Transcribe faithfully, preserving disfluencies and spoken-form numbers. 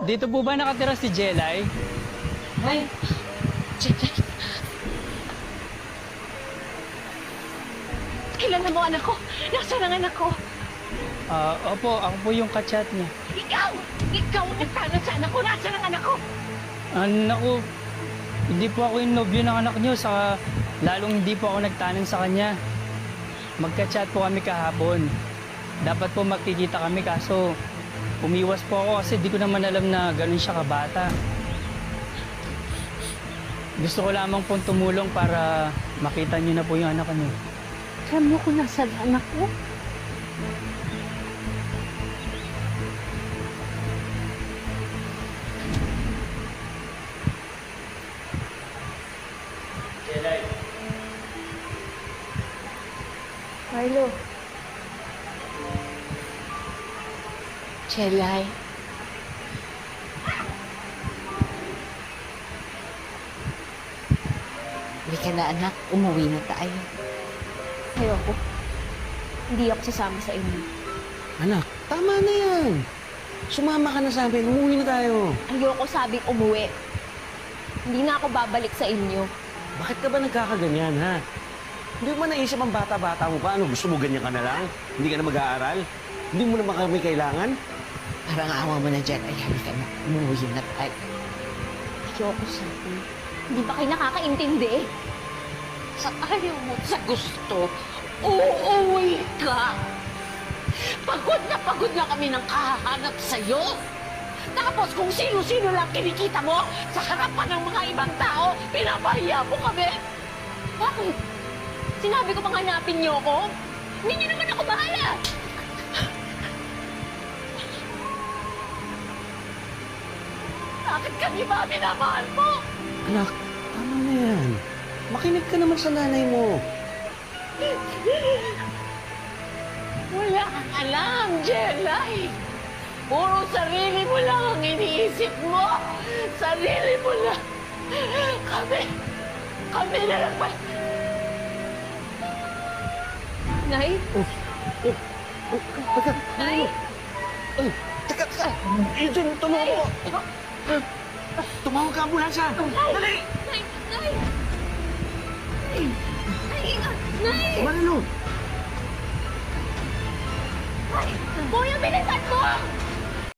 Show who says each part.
Speaker 1: Dito po ba nakatira si Jelay?
Speaker 2: Ay! Jelay! Kailan na mo anak ko? Nasaan ang anak ko?
Speaker 1: Ah, opo, ako po yung kachat niya.
Speaker 2: Ikaw! Ikaw ang nagtanong sa anak ko! Nasaan ang anak ko?
Speaker 1: Ah, naku, hindi po ako yung nobyo ng anak niyo, saka lalong hindi po ako nagtanong sa kanya. Magka-chat po kami kahapon. Dapat po magkikita kami kaso umiwas po ako kasi di ko naman alam na ganun siya kabata. Gusto ko lamang pong tumulong para makita niyo na po yung anak niyo.
Speaker 2: Alam mo kung nasaan ang anak ko?
Speaker 1: Jelay.
Speaker 2: Marlo. Jelay. Hindi ka na anak, umuwi na tayo. Ayoko. Hindi ako sasama sa inyo.
Speaker 3: Anak, tama na yan. Sumama ka na sa amin. Umuwi na tayo.
Speaker 2: Ayoko sabing umuwi. Hindi na ako babalik sa inyo.
Speaker 3: Bakit ka ba nagkakaganyan, ha? Hindi mo ba naisip ang bata-bata mo pa? Ano, gusto mo ganyan ka na lang? Hindi ka na mag-aaral? Hindi mo naman kami kailangan?
Speaker 2: Parang awa mo na dyan. Ay, halika na. Umuwi na tayo. Ayoko sabi. Hindi ba kayo nakakaintindi? Sa ayaw mo, sa gusto, uuwi ka. Pagod na pagod na kami ng kahahanap sa'yo. Tapos kung sino-sino lang kinikita mo sa harapan ng mga ibang tao, pinapahiya mo kami. Bakit? Sinabi ko bang hanapin niyo ako? Hindi niyo naman ako bahala. Bakit kami ba minamahal mo?
Speaker 3: Anak, tama na yan. Makinig ka naman sa nanay mo.
Speaker 2: Wala kang alam, Jelay. Puro sarili mo lang ang iniisip mo. Sarili mo lang. Kami, kami na lang ba? Nay?
Speaker 3: Oh, oh, oh, teka,
Speaker 2: Nay?
Speaker 3: Ay, teka, teka. Eden, tumawag mo. Tumawag ka ambulansya. Dali!
Speaker 2: Nay! Nay! Nay! Nay! Nay!
Speaker 3: Manalo.
Speaker 2: Nay! Kuya, bilisan mo!